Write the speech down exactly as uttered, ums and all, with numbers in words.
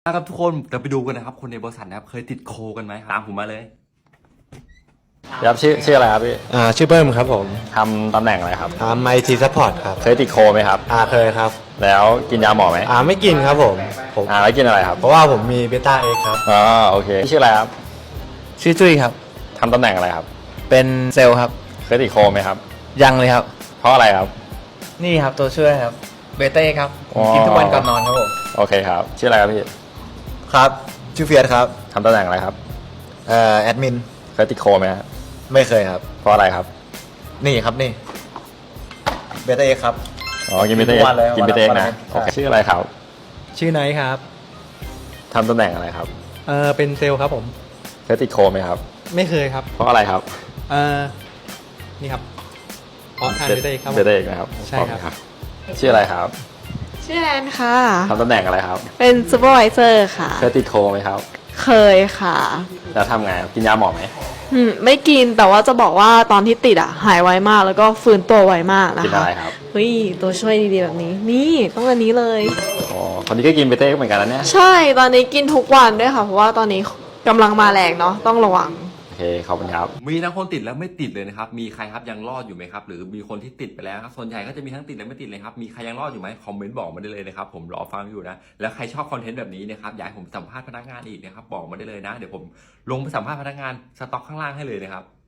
นะครับทุกคนเดี๋ยวไปดูกันนะครับคนในบริษัทนะครับเคยติดโคกันไหมตามผมมาเลยครับชื่อชื่ออะไรครับพี่อ่าชื่อเบิ้มครับผมทำตำแหน่งอะไรครับทำไอทีซัพพอร์ตครับเคยติดโคไหมครับอ่าเคยครับแล้วกินยาหมอไหมอ่าไม่กินครับผมผมอ่าแล้วกินอะไรครับเพราะว่าผมมีเบต้าเอ็กครับอ๋อโอเคชื่ออะไรครับชื่อจุ้ยครับทำตำแหน่งอะไรครับเป็นเซลล์ครับเคยติดโคไหมครับยังเลยครับเพราะอะไรครับนี่ครับตัวช่วยครับเบเต้ครับกินทุกวันก่อนนอนครับผมโอเคครับชื่ออะไรครับพี่ครับชื่อเฟียสครับทำตำแหน่งอะไรครับเอ่อแอดมินเคยติดโคไหมครับไม่เคยครับเพราะอะไรครับนี่ครับนี่เบต้าเอ็กครับอ๋อกินเบต้าเอ็กกินเบต้าเอ็กนะโอเคชื่ออะไรครับชื่อไนท์ครับทำตำแหน่งอะไรครับเออเป็นเซลล์ครับผมเคยติดโคไหมครับไม่เคยครับเพราะอะไรครับเออนี่ครับพร้อมทานเบต้าเอ็กครับเบต้าเอ็กนะครับใช่ครับชื่ออะไรครับชื่อแอนค่ะทำตำแหน่งอะไรครับเป็นซูเปอร์วิเซอร์ค่ะเคยติดโคไหมครับเคยค่ะแล้วทำไงกินยาหมอไหมอืมไม่กินแต่ว่าจะบอกว่าตอนที่ติดอ่ะหายไวมากแล้วก็ฟื้นตัวไวมากนะคะกินอะไรครับเฮ้ยตัวช่วยดีๆแบบนี้นี่ต้องอันนี้เลยอ๋อคนนี้ก็กินเบต้าเอ็กเหมือนกันนะเนี่ยใช่ตอนนี้กินทุกวันด้วยค่ะเพราะว่าตอนนี้กำลังมาแรงเนาะต้องระวังโอเคขอบคุณครับมีทั้งคนติดและไม่ติดเลยนะครับมีใครครับยังรอดอยู่ไหมครับหรือมีคนที่ติดไปแล้วครับส่วนใหญ่ก็จะมีทั้งติดและไม่ติดเลยครับมีใครยังรอดอยู่ไหมคอมเมนต์บอกมาได้เลยนะครับผมรอฟังอยู่นะแล้วใครชอบคอนเทนต์แบบนี้นะครับอยากให้ผมสัมภาษณ์พนักงานอีกนะครับบอกมาได้เลยนะเดี๋ยวผมลงไปสัมภาษณ์พนักงานสต็อกข้างล่างให้เลยนะครับ